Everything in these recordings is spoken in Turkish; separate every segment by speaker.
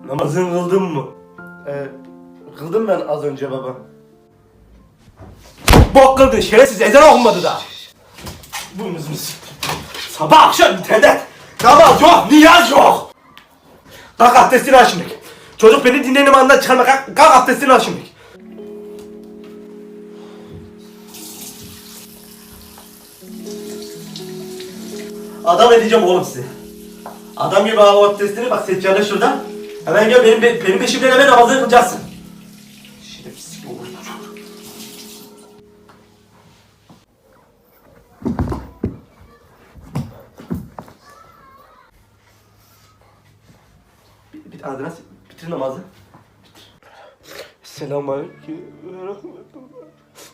Speaker 1: Namazını kıldın mı? Kıldım ben az önce baba. Bok kıldın şerefsiz, ezan okunmadı da. Bu muzunu siktir. Sabah akşam internet. Namaz yok, niyaz yok. Kalk abdestini al şimdi. Çocuk beni dinlenim andan çıkarma, kalk abdestini al şimdi. Adam edeceğim oğlum sizi. Adam gibi al abdestini, bak seccade şuradan. Hemen gel benim peşimden hemen namazını kılacaksın. Şerefsiz gibi olur. Adres bitir namazı. Selamünaleyküm ve rahmetullah.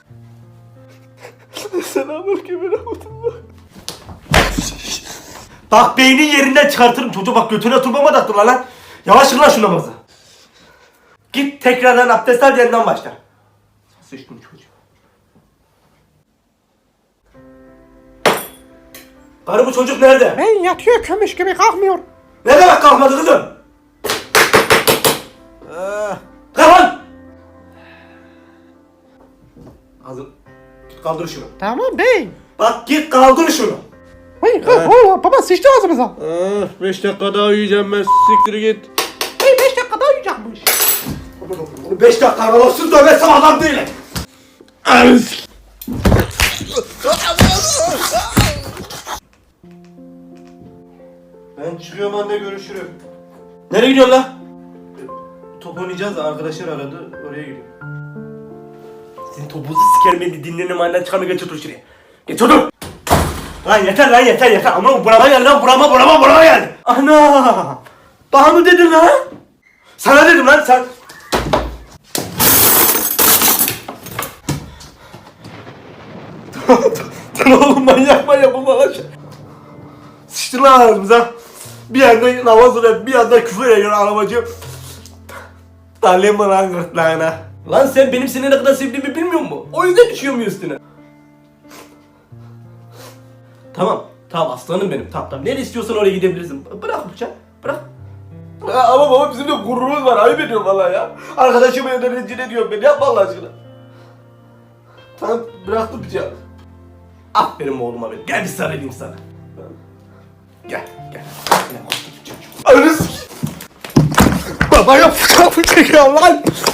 Speaker 1: Selamünaleyküm ve rahmetullah. Bak beynin yerinden çıkartırım çocuğu, bak götüne turbama da attırlar lan. Yavaş kıl lan şu namazı. Git tekrardan abdest al, yeniden başla. Sıçtım çocuğu. Karı bu çocuk nerede?
Speaker 2: Ben yatıyor kömüş gibi kalkmıyor.
Speaker 1: Ne demek kalkmadı kızım? Kalk lan! Ağzım, git kaldır şunu.
Speaker 2: Tamam bey.
Speaker 1: Bak git kaldır şunu.
Speaker 2: Ay baba sıçtı ağzımıza.
Speaker 3: 5 dakika daha uyuyacağım ben, siktir git.
Speaker 2: Hey 5 dakika daha uyuyacakmış.
Speaker 1: 5 dakika aralısız dövmesem adam değilim. Ben çıkıyorum anne, görüşürüm. Nereye gidiyorsun lan? Top oynayacağız da arkadaşlar aradı, oraya gidiyorum. Senin topunuzu sikerim, beni dinlenim anne, çıkarma, geç otur şuraya. Geç otur! Lan yeter ama burama geldi lan, burama geldi. Ana! Bana mı dedin lan? Sana dedim lan sen. Tamam oğlum, manyak bulma lan. Sıçtın lan ağzımıza. Bir yanda namaz oluyor, bir yanda küfür ediyor arabacı. Talim mi lan gırtlağına? Lan sen benim seni ne kadar sevdiğimi bilmiyor musun? O yüzden düşüyor mu üstüne? Tamam aslanım benim, tamam. Nereye istiyorsan oraya gidebilirsin. Bırak bıçağı, bırak. Ama baba bizim de gururumuz var, ayıp ediyorum valla ya. Arkadaşım evde rencide ediyorum beni, yapma Allah aşkına. Tamam, bıraktım bıçağı. Aferin oğluma benim, gel bir sarılayım sana. Gel. Anız. Baba yaptı kapı çekiyor lan.